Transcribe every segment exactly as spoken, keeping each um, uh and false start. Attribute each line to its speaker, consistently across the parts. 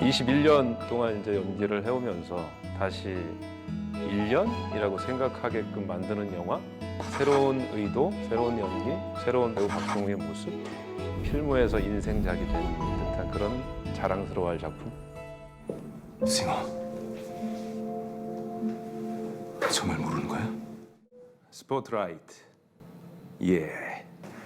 Speaker 1: 이십일 년 동안 이제 연기를 해오면서 다시 일 년이라고 생각하게끔 만드는 영화, 새로운 의도, 새로운 연기, 새로운 배우 박동우의 모습, 필모에서 인생작이 된 듯한 그런 자랑스러워할 작품.
Speaker 2: 승호, 정말 모르는 거야?
Speaker 1: 스포트라이트. 예.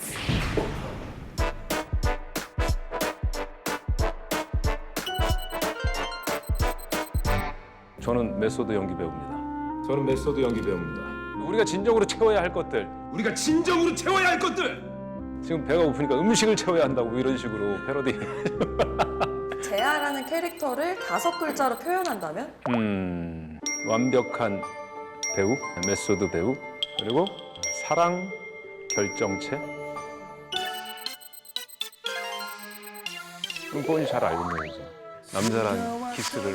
Speaker 1: 저는 메소드 연기 배우입니다.
Speaker 2: 저는 메소드 연기 배우입니다.
Speaker 1: 우리가 진정으로 채워야 할 것들.
Speaker 2: 우리가 진정으로 채워야 할 것들!
Speaker 1: 지금 배가 고프니까 음식을 채워야 한다고 이런 식으로 패러디.
Speaker 3: 재하라는 캐릭터를 다섯 글자로 표현한다면?
Speaker 1: 음, 완벽한 배우, 메소드 배우, 그리고 사랑 결정체. 그건 잘 알고 있는 거죠. 남자란 키스를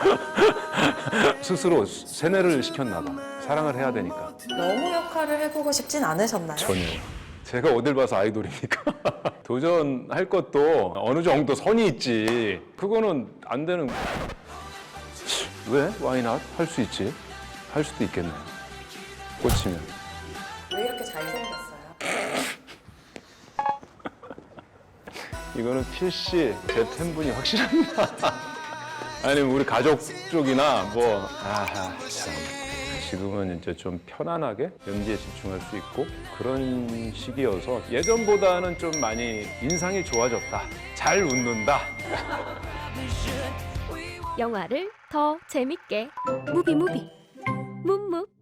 Speaker 1: 스스로 세뇌를 시켰나 봐. 사랑을 해야 되니까.
Speaker 3: 너무 역할을 해보고 싶진 않으셨나요?
Speaker 1: 전혀. 제가 어딜 봐서 아이돌입니까? 도전할 것도 어느 정도 선이 있지. 그거는 안 되는. 왜? Why not? 할 수 있지. 할 수도 있겠네요. 꽂히면.
Speaker 3: 왜 이렇게 잘생겼어요?
Speaker 1: 이거는 필시 제 팬분이 확실합니다. 아니면 우리 가족 쪽이나 뭐. 아하, 참. 지금은 이제 좀 편안하게 연기에 집중할 수 있고 그런 시기여서 예전보다는 좀 많이 인상이 좋아졌다. 잘 웃는다.
Speaker 4: 영화를 더 재밌게 무비무비 묵묵